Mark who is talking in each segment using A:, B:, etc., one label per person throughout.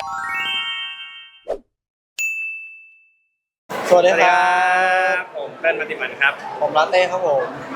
A: สวัสดีครั
B: ผมเป็นปฏิมันครับ
A: ผมลาเต้ครับผม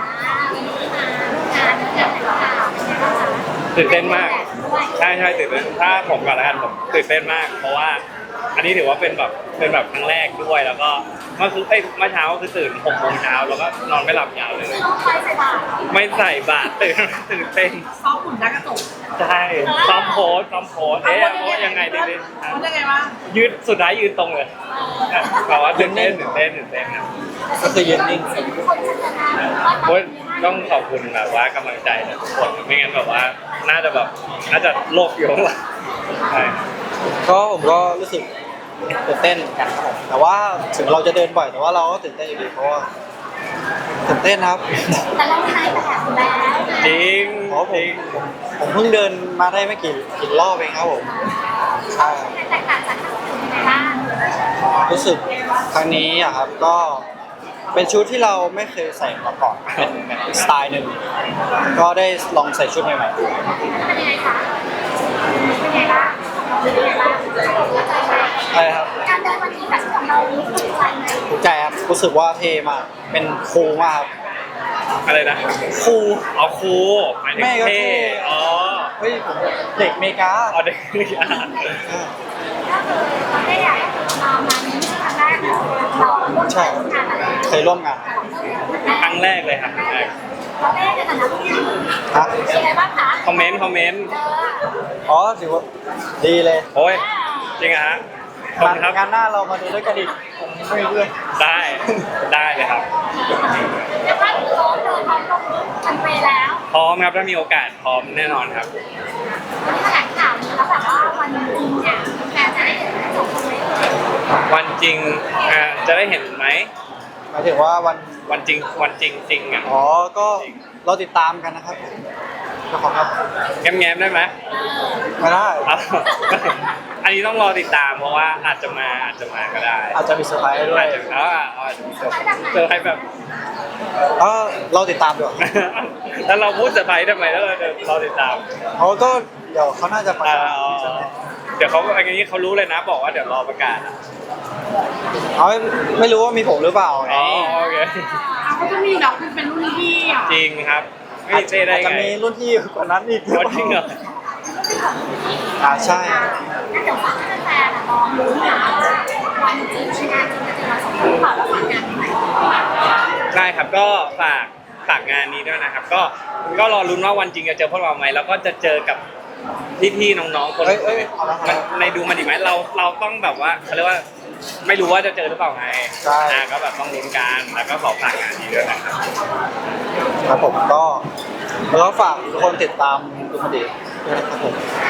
B: ตื่นเต้นมากใช่ตื่นเต้นถ้าผมก่อนละกันผมตื่นเต้นมาก เพราะว่าอันนี้ถือว่าเป็นแบบครั้งแรกด้วยแล้วก็เมื่อเช้าคือตื่น6 โมงเช้าแล้วก็นอนไม่หลับยาวเลยไม่ใส่บาตรตื่นเต้น
C: ซ้อมหุ่นหน้ากระจก
B: ใช่ซ้อมโพสโพสยังไงดี
C: มันยังไงวะ
B: ยืดสุดท้ายยืนตรงเลยแบบว่าตื่นเต้นนะ
A: ก็คือยืนนิ่ง
B: โอ้ยต้องขอบคุณแบบว่ากำลังใจจากทุกคนไม่งั้นแบบว่าน่าจะโลกอยู่ข้างหลังใช่
A: ก็ผมก็รู้สึกตื่นเต้นเหมือนกันครับผมแต่ว่าถึงเราจะเดินบ่อยแต่ว่าเราก็ตื่นเต้นอยู่ดีเพราะว่าตื่นเต้นครับ
D: แต่เราใช้แบบแล้ว
B: จริง
A: เพราะผมเพิ่งเดินมาได้ไม่กี่รอบเองครับผมใช่
D: แตกต่างจากครั้งอื่นยังไงบ้าง
A: รู้สึกครั้งนี้อะครับก็เป็นชุดที่เราไม่เคยใส่มาก่อนเป็นแบบอีกสไตล์หนึ่งก็ได้ลองใส่ชุดใหม่ๆ
D: เป็นยังไงคะเป็นยังไงบ้างเป็นยังไงบ้าง
A: อะไรครับ
D: การเดินวันนี้กับชุดของเรานี้ถูกใจไหม
A: ถูกใจครับรู้สึกว่าเท่มากเป็นคูลมากครับ
B: อะไรนะ
A: คูล
B: เอาครูหมายถึง
A: แม่ก็เท่
B: เท่อ๋อ
A: เฮ้ยผมเด็กอเมริกา
B: เอาเด็กอ่าน
D: ก็คือเราได้อยากมานี้ครั้งแรกเราร่วม
A: ใช่
D: งานอะไร
A: เคยร่วมงาน
B: ครั้งแรกเลยครับครั้งแรก
D: เราได้ในฐานะผู้หญิง
A: ฮะ
D: เป็นยังไงบ้างคะ
B: คอมเมนต์
A: อ๋อถือว่าดีเลย
B: โอ้ยจริงเหรอฮะขอบคุณครับ
A: งานหน้าเรามาดูด้วยกันอีกผมไม่มีเพื่อน
B: ได้เลยครับ
D: เรียกว่าเราเดินพร้อมลงกันไปแล้ว
B: พร้อมครับถ้ามีโอกาสพร้อมแน่นอนครับ
D: วันนี้แถลงข่าวนี้แล้วแบบว่าวันจริงเนี่ยแฟนจะได้เห็นจบเลย
B: วันจริงจะได้เห็นไหม
A: หมายถึงว่าวัน
B: วันจริงอ่ะ
A: อ๋อก็เราติดตามกันนะครับขอบคุณครับ
B: แง้มๆได้ไหม
A: ไม่ได้
B: เอาอันนี้ต้องรอติดตามเพราะว่าอาจจะมาก็ได้
A: อาจจะมีเซอร์ไพรส์ด้วย
B: อาจจะมีเซอร์ไพรส์แบบ
A: เราติดตามดีกว่า
B: แล้วเราพูดเซอร์ไพรส์ทำไมแล้วเราติดตาม
A: เขาก็เดี๋ยวเขาน่าจะประกาศใช่ไหม
B: เดี๋ยวเขาอันนี้เขารู้เลยนะบอกว่าเดี๋ยวรอประกาศอะ
A: เขาไม่รู้ว่ามีผมหรือเปล่าไง
B: อ๋อโอเค
C: เขาจะมีแบบเป็นรุ่นพี่อ่ะ
B: จริงครับไม่
A: อาจ
B: เต้ได้
A: จะ
B: ไง
A: มีรุ่นพี่กว่านั้นอีก
B: อ๋อจริงเหรอ
A: ใช่
D: งั้นเดี๋ยวฝากให้แฟนๆลองลุ้นนะวันจริงงานจริงจะเจอเราสองคนเปล่าแล้วฝากงานใหม่
B: ได้ครับก็ฝากงานนี้ด้วยนะครับ ก็รอลุ้นว่าวันจริงจะเจอพวกเราไหมแล้วก็จะเจอกับพี่ๆน้องๆคน
A: เอ้ยเอาละครับ
B: ในดูมันดีไหมเราต้องแบบว่าเขาเรียกว่าไม่รู้ว่าจะเจอหรือเปล่าไง
A: ใช่
B: ก็แบบต้องลุ้นกันแล้วก็ขอฝากงานนี้ด้วยนะครับ
A: ครับผมก็แล้วก็ฝากทุกคนติดตามดูมันดีด้วยนะครับผม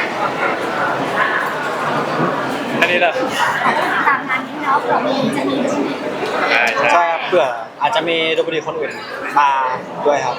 B: อันนี้เลย
D: ตามงานนี้เนาะเผื่อมีจะมีรุ่นพี่
B: ใช่
A: ใช่ครับเผื่ออาจจะมีดูมันดีคนอื่นมาด้วยครับ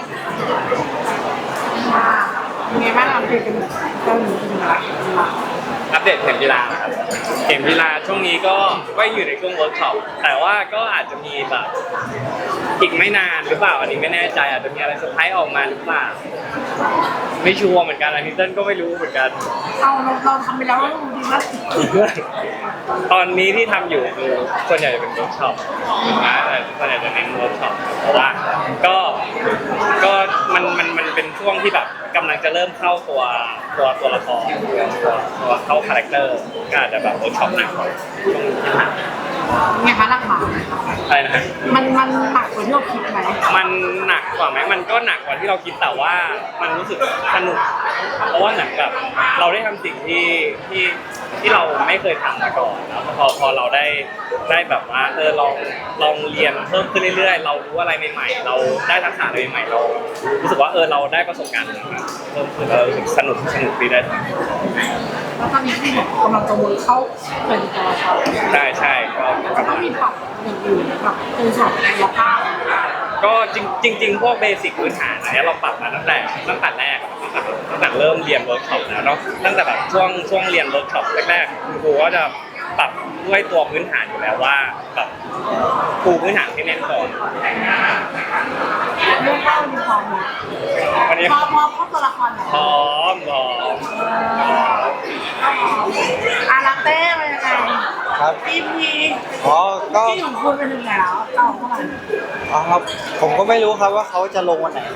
C: ยังไงบ้างเราคุยกันเจ้าหนูเป็นอะไร
B: อัปเดตเข็มกีฬาครับเข็มกีฬาช่วงนี้ก็อยู่ในช่วงเวิร์กช็อปแต่ว่าก็อาจจะมีแบบอีกไม่นานหรือเปล่าอันนี้ไม่แน่ใจอาจจะมีอะไรเซอร์ไพรส์ออกมาหรือเปล่าไม่ชัวร์เหมือนกันอันนี้เต้นก็ไม่รู้เหมือนกัน
C: เราทำไปแล้วเราดูดีมาก
B: ตอนนี้ที่ทำอยู่คือส่วนใหญ่จะเป็นเวิร์กช็อปนะแต่ส่วนใหญ่จะเน้นเวิร์กช็อปเพราะว่าก็มันเป็นช่วงที่แบบกำลังจะเริ่มเข้าตัวละครตัวเข้าคาแรคเตอร์ก็อาจจะแบบเวิร์กช็อปหนักกว่าช่วงที่ผ่าน
C: ไงคะหลักฐาน
B: อะไรนะฮะ
C: มันหนักกว่าที่เราคิดไหม
B: มันหนักกว่าไหมมันก็หนักกว่าที่เราคิดแต่ว่ามันรู้สึกสนุกเพราะว่าเหมือนแบบเราได้ทำสิ่งที่เราไม่เคยทำมาก่อนแล้วพอเราได้แบบว่าลองเรียนเพิ่มขึ้นเรื่อยๆเรารู้อะไรใหม่ๆเราได้ทักษะอะไรใหม่ๆเรารู้สึกว่าเราได้ประสบการณ์เพิ่มขึ้นเรารู้สึกสนุกดีได้
C: แล้วตอนนี้ที่กำลังจะวนเข้าเป็นตัวละคร
B: ใช่ก็
C: จะต้องมีปรับอย่างอื่นแบบตัวสอบกายภาพ
B: ก็จริงพวกเบสิกพื้นฐานอันนี้เราปรับมาตั้งแต่แรกตั้งแต่เริ่มเรียนเวิร์กช็อปแล้วเนาะตั้งแต่แบบช่วงเรียนเวิร์กช็อปแรกๆคุณครูก็จะปรับด้วยตัวพื้นฐานอยู่แล้วว่าแบบปูพื้นฐานให้แน่นก่อน
C: เรื่องเล่ามีความหมด
B: วันนี้
C: พอเข้าตัวละคร
B: พร้อม
C: อะไราเต้เป็นยังไง
A: ครับ
C: EP
A: อ๋อก็
C: ที่ของคุณเป็นยังไงแล้วเอาเท่าไหร่
A: อ๋อครับผมก็ไม่รู้ครับว่าเขาจะลงวันไหน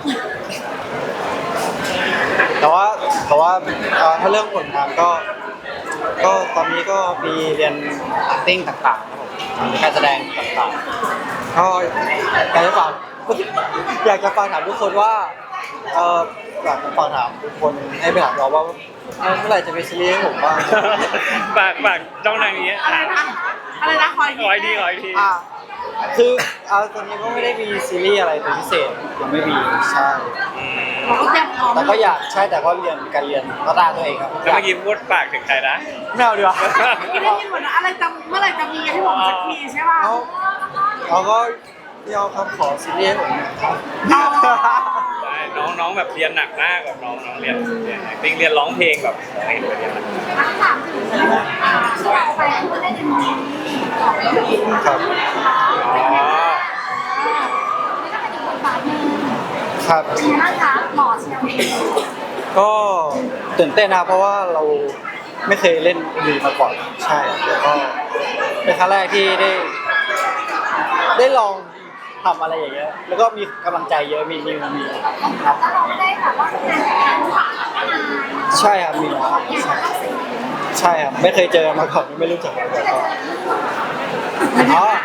A: แต่ว่าถ้าเรื่องผลงานก็ตอนนี้ก็มีเรียน acting ต่างๆครับผมมีการแสดงต่างๆก็อยากจะฝากอยากจะฝากถามทุกคนว่าอยากจะฝากถามทุกคนให้ไปถามเราว่าเมื่อไหร่จะมีซีรีส์ให้ผมบ้าง
B: ฝากจ้องนางนี้
C: อะไรนะอะไรนะคอย
B: ขออีกทีขออีกที
A: คือตอนนี้ก็ไม่ได้มีซีรีส์อะไรเป็นพิเศษยังไม่มีใช่
C: เราก็เตรียมพร้อม
A: แต่ก็อยากใช่แต่ก็เรียนการเรียนพัฒนาตัวเองครับ
B: แล้วเมื่อกี้พูดฝากถึงใครนะ
A: ไม่เอาดีกว่า
C: ไม่ได้ยินหมดนะอะไรจะเมื่อไหร่จะมีให้ผมสักทีใช่ป่ะ
A: เขาก็ยอมครับขอซีรีส์ให้ผมหน่อยครับ
B: ใช่น้องแบบเรียนหนักมากแบบน้องเรียน acting เรียนร้องเพลงแบบเห็นไปเรียนหนัก
D: ถ้าถามถึงที่เราไปคุณได้ยินของ
A: ครับ
B: อ๋อ
D: นี่ก็เป็นอีกบทบาทหนึ่ง
A: ครับ
D: เป็นยังไงบ้างคะหล่อเชียวเอง
A: ก็ตื่นเต้นนะครับเพราะว่าเราไม่เคยเล่นมีมาก่อนใช่แล้วก็เป็นครั้งแรกที่ได้ลองทำอะไรอย่างเงี้ยแล้วก็มีกำลังใจเยอะมีครับ
D: แล้วเราไม่ได้แบบว่าทำงานกับการผ่านมานาน
A: ใช่ครับมีครับใช่ครับไม่เคยเจอมาก่อนไม่รู้จักมาก่อนอ๋อ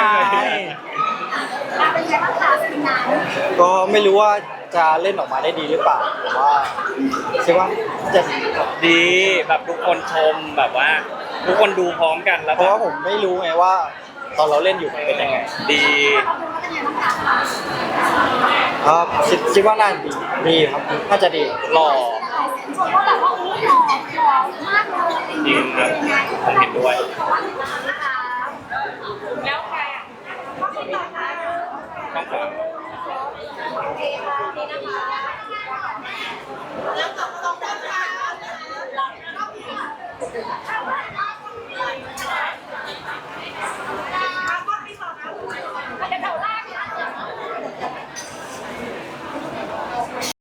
D: เป็นยังไงบ้างคะเป็นงาน
A: ก็ไม่รู้ว่าจะเล่นออกมาได้ดีหรือเปล่าแต่ว่าใช่ว่าจะดีครับ
B: ดีแบบทุกคนชมแบบว่า ทุกคนดูพร้อมกันแล้ว
A: เพราะว่าผมไม่รู้ไงว่า ตอนเราเล่นอยู่มันเป็นยังไง
B: ดี
D: เราดูว่าเป็นยังไงบ้างคะ
A: ครับคิดว่าน่าดีครับน่าจะดี
B: หล่อ
D: ชมว่าแบบว่าอู้หล่อมากเลย
B: จริงครับผมเห็นด้วย
D: แล้วใครอ่ะก็เป็นต่อค่ะ
B: ต้องฝาก
D: โอเคค่ะนี่นะคะแล้วก็ต้อง